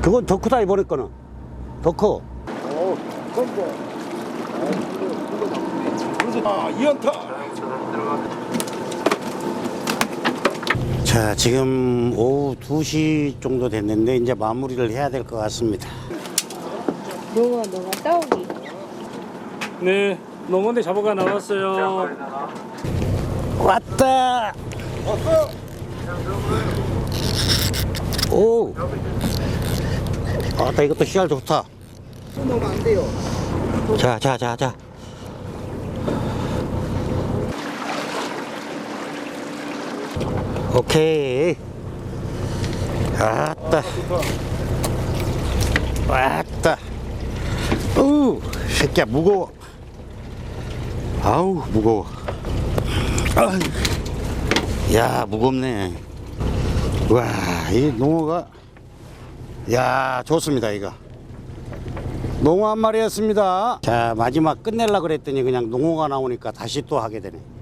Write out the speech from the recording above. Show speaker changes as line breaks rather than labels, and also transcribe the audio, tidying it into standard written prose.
그건 더 크다, 이번에 거는. 더 커.
이연타.
자, 지금 오후 2시 정도 됐는데 이제 마무리를 해야 될 것 같습니다.
농어 따오기.
네, 농어대 잡아가 나왔어요.
왔다.
왔어.
오. 아따, 이것도 씨알 좋다.
넣으면 안 돼요.
자. 오케이. 아따. 왔다. 우, 새끼야, 무거워. 아우, 무거워. 아, 야, 무겁네. 와, 이 농어가, 야, 좋습니다, 이거. 농어 한 마리였습니다. 자, 마지막 끝내려고 그랬더니 그냥 농어가 나오니까 다시 또 하게 되네.